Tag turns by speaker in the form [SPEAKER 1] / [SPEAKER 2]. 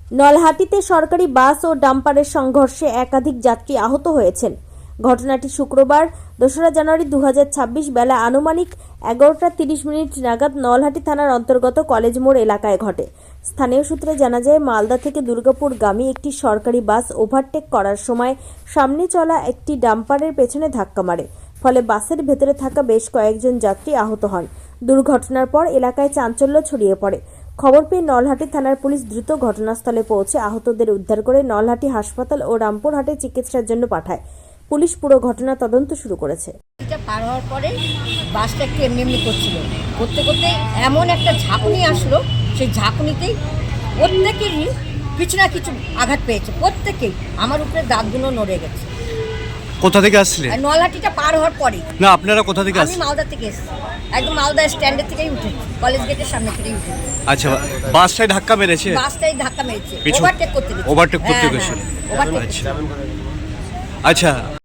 [SPEAKER 1] নলহাটিতে সরকারি বাস ও ডাম্পারের সংঘর্ষে একাধিক যাত্রী আহত হয়েছেন। ঘটনাটি শুক্রবার 2রা জানুয়ারি 2026 বেলা আনুমানিক 11:30 নাগাদ নলহাটি থানার অন্তর্গত কলেজ মোড় এলাকায় ঘটে। স্থানীয় সূত্রে জানা যায়, মালদা থেকে দুর্গাপুরগামী একটি সরকারি বাস ওভারটেক করার সময় সামনে চলা একটি ডাম্পারের পেছনে ধাক্কা মারে। ফলে বাসের ভেতরে থাকা বেশ কয়েকজন যাত্রী আহত হন। দুর্ঘটনার পর এলাকায় চাঞ্চল্য ছড়িয়ে পড়ে। খবর পেয়ে নলহাটি থানার পুলিশ দ্রুত ঘটনাস্থলে পৌঁছে আহতদের উদ্ধার করে নলহাটি হাসপাতাল ও রামপুরহাটে চিকিৎসার জন্য পাঠায়। পুলিশ পুরো ঘটনা তদন্ত শুরু করেছে।
[SPEAKER 2] এটা পার হওয়ার পরে বাসটা একটু এমনি করছিল, করতে করতে এমন একটা ঝাঁকুনি আসলো, সেই ঝাঁকুনিতেই প্রত্যেকেরই কিছু না কিছু আঘাত পেয়েছে। প্রত্যেকেই আমার উপরে দাঁতগুলো নড়ে গেছে।
[SPEAKER 3] কোথা থেকে আসছিলেন?
[SPEAKER 2] আর নলহাটিটা পার হওয়ার পরে।
[SPEAKER 3] না, আপনারা কোথা থেকে
[SPEAKER 2] আমি
[SPEAKER 3] আসছেন?
[SPEAKER 2] মালদা থেকে এসেছি, একদম মালদা স্ট্যান্ডের থেকেই উঠেছি, কলেজ গেটের সামনে থেকেই উঠেছি।
[SPEAKER 3] আচ্ছা, বাসটাই ধাক্কা মেরেছে?
[SPEAKER 2] বাসটাই ধাক্কা মেরেছে,
[SPEAKER 3] পিছু-
[SPEAKER 2] ওভারটেক করতে গেছে।
[SPEAKER 3] ওভারটেক করতে
[SPEAKER 2] হ্যাঁ,
[SPEAKER 3] গেছিল।
[SPEAKER 2] ওভারটেক।
[SPEAKER 3] আচ্ছা।